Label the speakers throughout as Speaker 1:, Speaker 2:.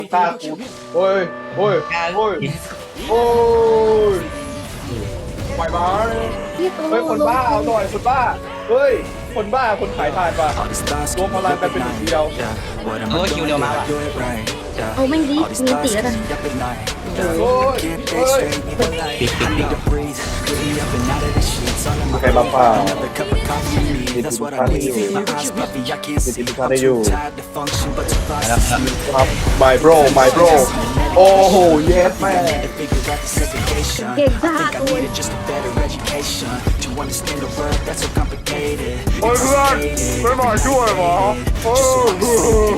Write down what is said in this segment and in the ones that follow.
Speaker 1: ตากูโอ้ยโอ้ยโอ้ยโอ้ยปล่อยมาเฮ้ยคนบ้าเอาหน่อยคนบ้าเฮ้ยคนบ้าคนขายทานป่ะรวมพลังกันเป็นหนึ่งเดียว
Speaker 2: โอ้ยคิวเร็วมาว่ะ
Speaker 3: เอาไม่ดีมีตีแล้วกัน
Speaker 1: โอ้ยโอ้ย
Speaker 2: ปิด
Speaker 1: มีใครบ้าเปล่ามีทุกท่านได้อยู่มีทุกท่านได้อยู่ครับ my bro my bro โอ้โหเยสแม่
Speaker 3: เก่งจ้าตัว
Speaker 1: โอ้ยเพื่อนไม่มาช่วยหรอโอ้ย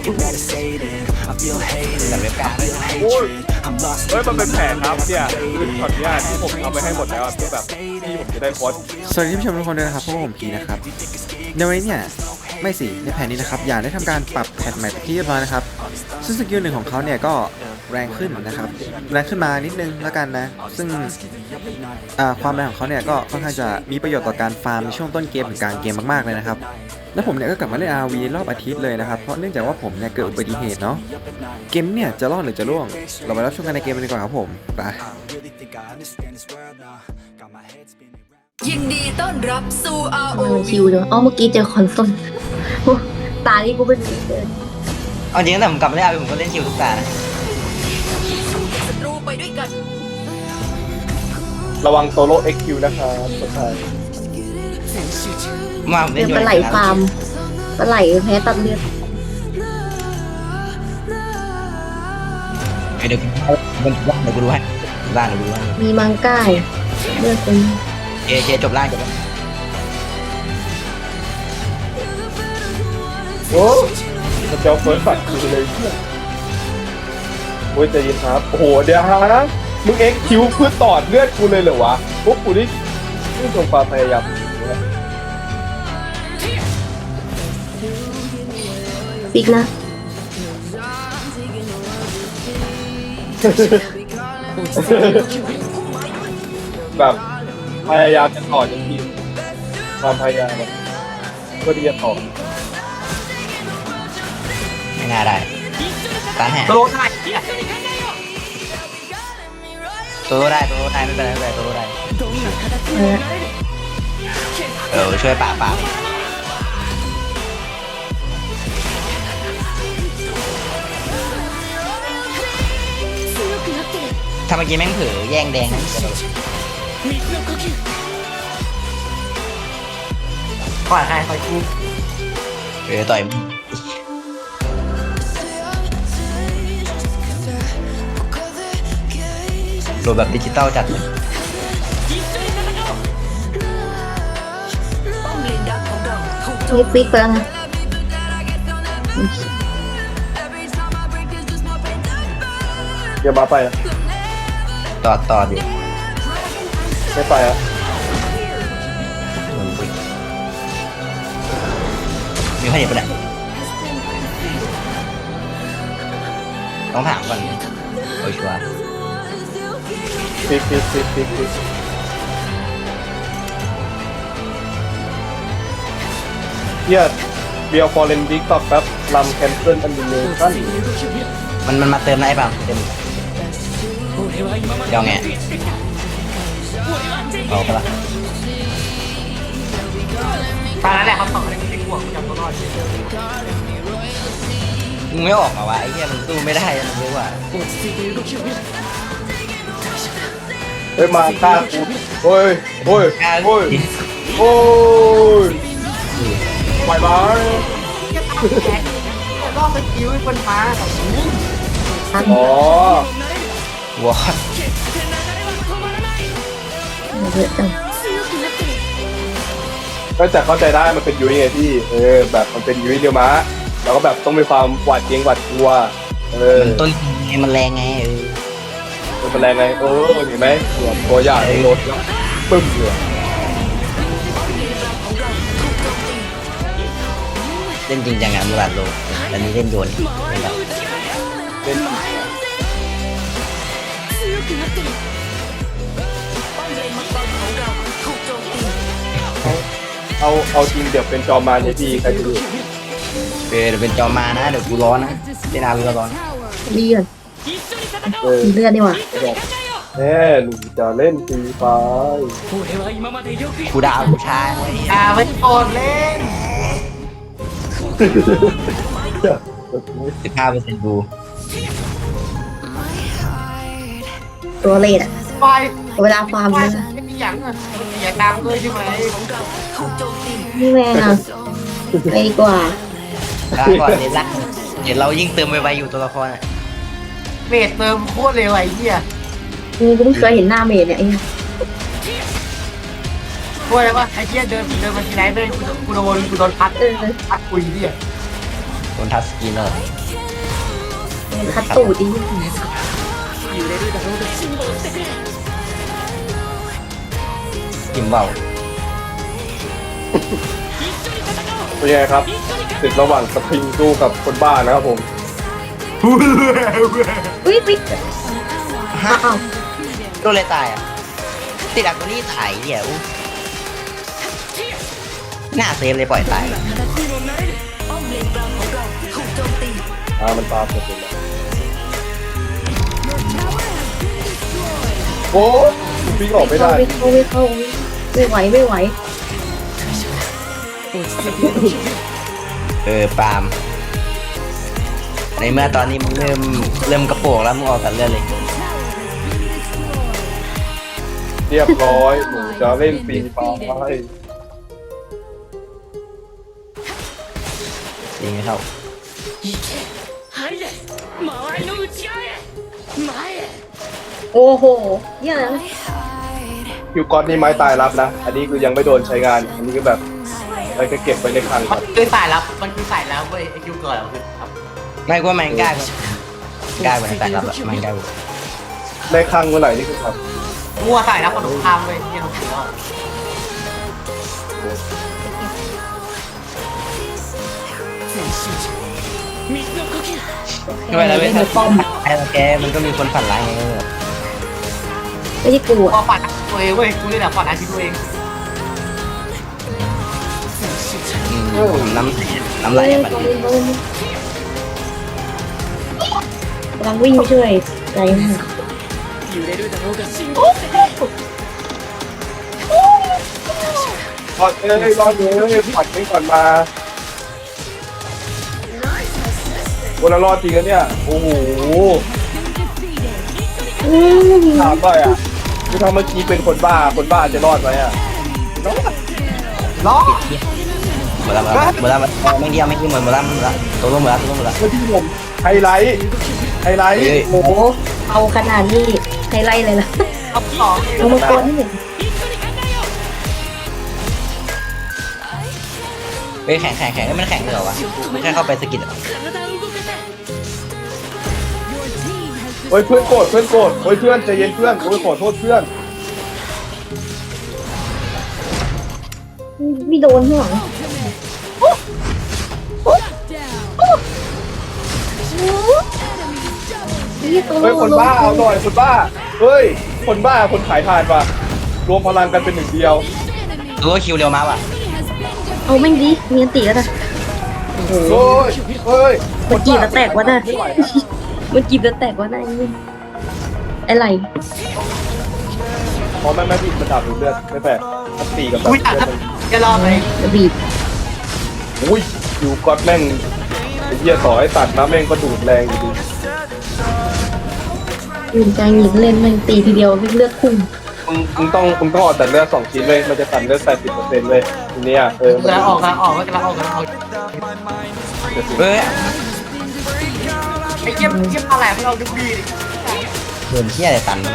Speaker 2: แต่เว็บการ์ด
Speaker 1: โอ้ยเฮ้ยมันเป็นแผนครับเนี่ยคือช็อตเนี้ยที่ผมทำไปให้หมดแล้วเพื่อแบบที่ผมจะได้โพสต์
Speaker 4: สวัสดีผู้ชมทุกคนด้วยนะครับพวกผมพีนะครับในวันนี้เนี่ยไม่สิในแผนนี้นะครับอยากได้ทำการปรับแพทใหม่ไปที่เรียบร้อยนะครับซึ่งสกิลหนึ่งของเขาเนี่ยก็แรงขึ้นนะครับแรงขึ้นมานิดนึงแล้วกันนะซึ่งความแรงของเขาเนี่ยก็ค่อนข้างจะมีประโยชน์ต่อการฟาร์มในช่วงต้นเกมถึงกลางเกมมากๆเลยนะครับแล้วผมเนี่ยก็กลับมาเล่น RV รอบอาทิตย์เลยนะครับเพราะเนื่องจากว่าผมเนี่ยเกิดอุบัติเหตุเนาะเกมเนี่ยจะรอดหรือจะร่วงเราไปรับชมกันในเกมกันดีกว่าครับผมไป
Speaker 5: ยินดีต้อนรับสู่
Speaker 3: มัน
Speaker 5: ROV
Speaker 3: คิวเนอะอ๋อเมื่อกี้เจอคอนโซลโอ้ตานี่กูเป็นสีเดิน
Speaker 2: เอาจริงตั้งแต่ผมกลับมาเล่นอาร์ผมก็เล่นคิวทุกตานะ
Speaker 5: ศัตรูไปด้วยกัน
Speaker 1: ระวังโซโล่ XQ นะครับสุดท้าย
Speaker 2: มาผมเล่นอยู่
Speaker 3: ปลาไหลฟาร์มปลาไหลแพ้ตัดเลือด
Speaker 2: เดี๋ยวกูดูให้ล่างเดี๋ยวกูดูให้
Speaker 3: มีมังก้าเลือดเป็น
Speaker 2: เคจบล่างจบแล้ว
Speaker 1: โอ้มันจะเฟิร์สบัตรกูเลยโอ้ยใจเย็นครับโอ้โหเดี๋ยวฮะมึง XQ เพื่อตอดเลือดกูเลยเหรอวะพวกกูนี่จงความพยายาม
Speaker 3: ปิกนะ
Speaker 1: แบบพยายามจะต่อจนทีความพยายามแบบเพื่อที่จะต่อ
Speaker 2: ไม่น่าได้ตันแห่
Speaker 6: โตได้เนี่ย
Speaker 2: ตัวได้ไม่เป็นไรตัวได้
Speaker 3: เออ
Speaker 2: ช่วยป่าถ้าเมื่อกี้แม่งเผลอแย่งแดงนะ
Speaker 6: ก่อนใครคอยกู
Speaker 2: ต่อยโดนแบบดิจิตอลจัดเลย
Speaker 5: ป้อมเลนดักของเราถูกโจ
Speaker 3: นี่
Speaker 5: ม
Speaker 3: ปิกไปแล้วนะ
Speaker 1: เดี๋ยวมาไปอะ
Speaker 2: ต่อดิ
Speaker 1: ไม่ไปอ่ะ
Speaker 2: มีข้อเห็นปะเนี่ยต้องถามก่อนโอ้ยชัวร์
Speaker 1: ปิกเฮียเบียร์ฟอร์เรนดิกต่อแป๊บลำแคนเซิลอันดิเนชั่น
Speaker 2: มันมาเติมนะไอ้ป่ะเต็มเดี๋ยวไงเอาปะล่ะ
Speaker 6: ตอนนั้นแหละเขาต่อให้กูเป็นห่วงกูจำตัวรอด
Speaker 2: มึงไม่ออกมาวะไอ้เหี้ยมึงสู้ไม่ได้มึงรู้ว่า
Speaker 1: เฮ้ยมาฆ่ากูโอ้ยโอ้ยโอ้ยโอ้ยปล่อยมา
Speaker 6: รอบไปคิวให้คนฟ้า
Speaker 3: ทัน
Speaker 1: อ๋อ
Speaker 2: วอด
Speaker 3: เยอะจัง
Speaker 1: ก็จะเข้าใจได้มันเป็นยุ้ยไงพี่แบบมันเป็นยุ้ยเดียวมะแล้วก็แบบต้องมีความหวาดเกรงหวาดกลัว
Speaker 2: มันต้นไงมันแรงไง
Speaker 1: มันเป็นแรงไงเห็นไหมตัวใหญ่รถปึ้มเลย
Speaker 2: เล่นจริงจังงานมูราดโลแต่นี้เล่นโยนเป็นแบบ
Speaker 1: เล่น
Speaker 5: ป้อมเลนมังกรของเราถูกโจมตี
Speaker 1: เอาจริงเดี๋ยวเป็นจอมารเนี่ยพี่ใครจะดู
Speaker 2: เดี๋ยวเป็นจอมานะเดี๋ยวกูร้อนนะเล่นอาวีก็ร้อน
Speaker 3: มเลือด
Speaker 1: เออ
Speaker 3: มีเลือดดีกว่า
Speaker 1: แน่หนูจะเล่นฟรีไฟ
Speaker 2: กูดาวผู้ชายไว้
Speaker 6: ไม่โกนเล่น
Speaker 2: 15%ดู
Speaker 3: ตัวเลดอะ
Speaker 6: ไฟ
Speaker 3: เวลาฟาร์ม
Speaker 6: ไฟ
Speaker 3: เลย
Speaker 6: ไม่มีอย่างอ่ะอย่าดังเลยใช่ไหม
Speaker 3: นี่แม่งอะไปดีกว่า
Speaker 2: ลาก่อนเลยละเดี๋ยวเรายิ่งเติมไวๆอยู่ตัวละครอ่ะ
Speaker 6: เมดเติมโคตรเร็วไอ้เหี้ย
Speaker 3: กูเพิ่งเคยเห็นหน้าเมดเนี่ยไอ้เนี่ย
Speaker 6: ช่วยเลยว่าไอ้เหี้ยเดินมาทีไหนเดินกูโดนพัดคุยเหี้ย
Speaker 2: โดนทัชสกรีนเลย
Speaker 3: คัดตูดดิ
Speaker 2: กิมเบา
Speaker 1: เป็นไงครับศึกระหว่างสปริงสู้กับคนบ้านะครับผม
Speaker 3: อุ้ยปิ๊กอ้าว
Speaker 2: โดนเลยตายอ่ะติดอักตัวนี้ตายเดี๋ยวหน้าเซฟเลยปล่อยตาย
Speaker 1: มันตามผมเลยโอ้ยวิ่งออกไม่ได้
Speaker 3: ไม่เข้าไม่ไหวไม่ไหว
Speaker 2: ปาล์มในเมื่อตอนนี้มึงเริ่มกระโปงแล้วมึงออกกันเรื่อยเลย
Speaker 1: เรียบร้อยหนูจะเล่นฟรีไฟ
Speaker 2: จริงไหมครับ
Speaker 3: โอ้โหเนี่ยนะ
Speaker 1: คิวก๊อตนี่ไม้ตายรับนะ อันนี้คือยังไม่โดนใช้งาน อันนี้ก็แบบไปก็เก็บไว้ในคลังก่อน
Speaker 6: คือสายลับมันคือสายลับเว้ยไอ้คิวเกิดคือครับ
Speaker 2: ไม่กว่ามันกล้ากว่าแต่รับอะมันกล้ากว่า
Speaker 1: ในคลังเมื่อไหร่นี่คือครับ
Speaker 6: มั่วสายลับคนสงครามเว้ยเนี่ยผมถือว่า
Speaker 2: ทำไมเราไม่
Speaker 3: เล่น
Speaker 2: ทำ
Speaker 3: ป้อม
Speaker 2: ไอ้เราแกมันก็มีคนฝันร้ายไงก็แบบ
Speaker 3: ไม่ใช่กู
Speaker 6: พอ
Speaker 3: อะ
Speaker 6: ฝันตัวเองเว้ยกูเลยแบบฝันอาชีพตัวเอง
Speaker 2: น้ำไหลอะมันดี
Speaker 3: กำลังวิ่งไปช่วยใจมาก
Speaker 1: รอดเลยรอดเลยผัดไม่ก่อนมาวันละรอดจริงนะเนี่ย โอ้โหถามหน่อยอ่ะคือถ้าเมื่อกี้เป็นคนบ้าจะรอดไหมอ่ะ
Speaker 6: ล้อ
Speaker 2: หมดแล้วไม่เดียวไม่กินหมดแล้วตัวลงหมดแล้ว
Speaker 1: เมื่อกี้ผมไฮไลท์
Speaker 3: โอ้โหเอาขนาดนี้ไฮไลท์เลยล่ะ
Speaker 6: เอาต่อ
Speaker 3: เอามาก่อนนี่หนึ่ง
Speaker 2: เฮ้ยแข็งมันแข็งเลยเหรอวะแค่เข้าไปสกิด
Speaker 1: โอ้ยเพื่อนโกรธโอ้ยเพื่อนใจเย็นเพื่อนโอ้ยขอโทษเพื่อน
Speaker 3: ไม่โดนข้างหลัง
Speaker 1: เฮ้ยคนบ้าเอาหน่อยคนบ้าเฮ้ยคนบ้าคนขายทานป่ะรวมพลังกันเป็นหนึ่งเดียว
Speaker 2: รู้ว่าคิวเร็วมากว่ะ
Speaker 3: เอาแม่งดิมีอันตีแล้วนะโอ้โห
Speaker 1: เฮ้ย
Speaker 3: มันจีบแล้วแตกวะน่ะ
Speaker 1: ไม่ไหว
Speaker 3: มันจีบแล้วแตกวะน่ะนี่อะไร
Speaker 1: พอแม่ผิดมันดับเลือดไม่แปลกตีกับแบบ
Speaker 6: อุ้ยแต่จะรอไหม
Speaker 3: จะบีบ
Speaker 1: อุ้ยอยู่ก๊อตแม่งไอ้เหี้ยต่อให้ตัดนะแม่งก็ดูดแรงอยู่ดี
Speaker 3: ยืนใจหงิกเล่นแม่งตีทีเดียวเลือดพุ่ง
Speaker 1: มึงต้องเอาแต่เลือด2 ชิ้นเลยมันจะตัดเลือด80%เลยทีเนี้ยมัน
Speaker 6: กำลังออกก็กำลังออก
Speaker 2: เฮ้ย
Speaker 6: ไอ้เยี่ยมอะไรพวกเราดูดี
Speaker 2: โดนเที่ยอะไรตัน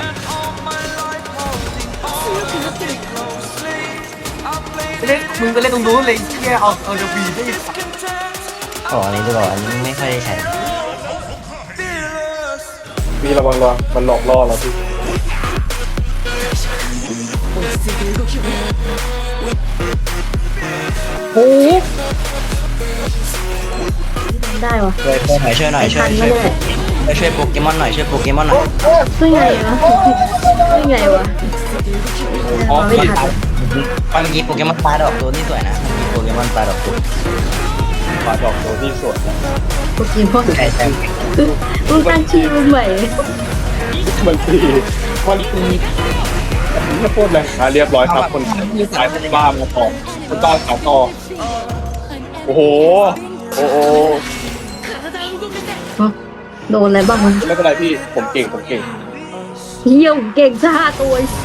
Speaker 6: เล่นมึงก็เล่นตรงนู้นเลยเที่ยเอาดูดีได้
Speaker 2: อ๋ออันนี้ดูก่อนอันนี้ไม่ค่อยได้ใช้
Speaker 1: มีระวังมันหลอกล่อเราพี่
Speaker 3: โอ้โหได้วะ
Speaker 2: ช่วยหน่อยช่วยโปเกมอนหน่อยช่วยโปเกมอนหน่อย
Speaker 3: ช่วยไงวะช่วยไงวะ
Speaker 2: อ๋อ
Speaker 3: ไม่ทัน
Speaker 2: เมื่อกี้โปเกมอนปลาดอกตัวนี่สวยนะมีโปเกมอนปลาดอกตัว
Speaker 1: ปาดอกโดนี่สวย
Speaker 3: โปเกมอน
Speaker 2: ใช่ใช่
Speaker 3: มึงตั้งชื่อมันใหม่
Speaker 1: มันตีจะพูดเลยเรียบร้อยครับคนขายบ้ามาต่อคนบ้าขายต่อโอ้โหโอ้โห
Speaker 3: โดนอะไรบ้างวะ
Speaker 1: ไม่เป็นไรพี่ผมเก่ง
Speaker 3: เหี้ยผมเก่งจ้าตัว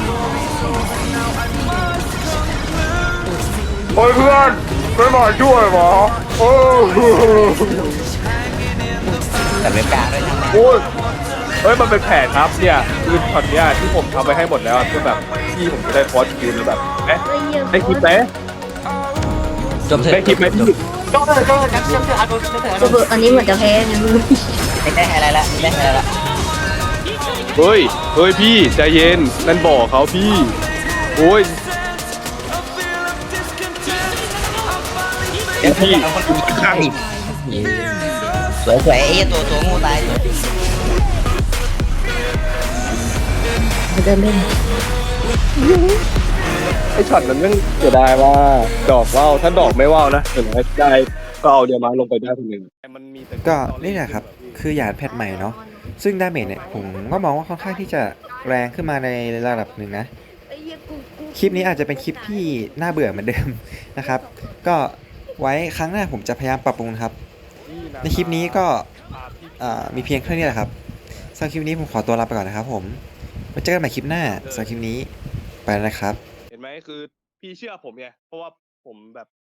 Speaker 1: โอ้ยเพื่อนไม่มาช่วยหรอโอ้
Speaker 2: แต่เว็บกลางด้วยนะ
Speaker 1: โอ้ยเฮ้ยมันเป็นแผนครับเนี่ยคือช็อตเนี้ยที่ผมทำไปให้หมดแล้วคือแบบพี่ผมจะได้คอร์สคิวแล้วแบบเอ๊ะได้คลิปไหม
Speaker 2: จบเถอะ
Speaker 1: ได้คลิปไหมพี่
Speaker 6: โจ้เจอกันเชื่อเอาดูเชื่อเอา
Speaker 3: ตัวเบอร์อันนี้เหมือนจะแพ้นะมึง
Speaker 2: ไม่ได้อะไรละไม่ได้อะไรละ
Speaker 1: เฮ้ยพี่ใจเย็นนั่นบอกเขาพี่โอ้ย
Speaker 2: เดี๋ยวพี่เอาคนอื่นมาข้างอีกสวยๆไอ้ตัวงูตายเลย
Speaker 3: มันจะเล่น
Speaker 1: ไอช็อตนั้นมันเสียดายว่าดอกว่าวถ้าดอกไม่ว่าวนะเห็นไหมได้ก็เอาเดี๋ยวมาลงไปได้คนหนึ่งมันมีแต่
Speaker 4: ก็นี่แหละครับคือหยาดแพทใหม่เนาะซึ่งดาเมจเนี่ยผมก็มองว่าค่อนข้างที่จะแรงขึ้นมาในระดับหนึ่งนะคลิปนี้อาจจะเป็นคลิปที่น่าเบื่อเหมือนเดิมนะครับก็ไว้ครั้งหน้าผมจะพยายามปรับปรุงนะครับในคลิปนี้ก็มีเพียงแค่นี้แหละครับสำหรับคลิปนี้ผมขอตัวลาไปก่อนนะครับผมไว้เจอกันใหม่คลิปหน้าสำหรับคลิปนี้ไปแล้วนะครับ
Speaker 1: เห็นไหมคือพี่เชื่อผมไงเพราะว่าผมแบบ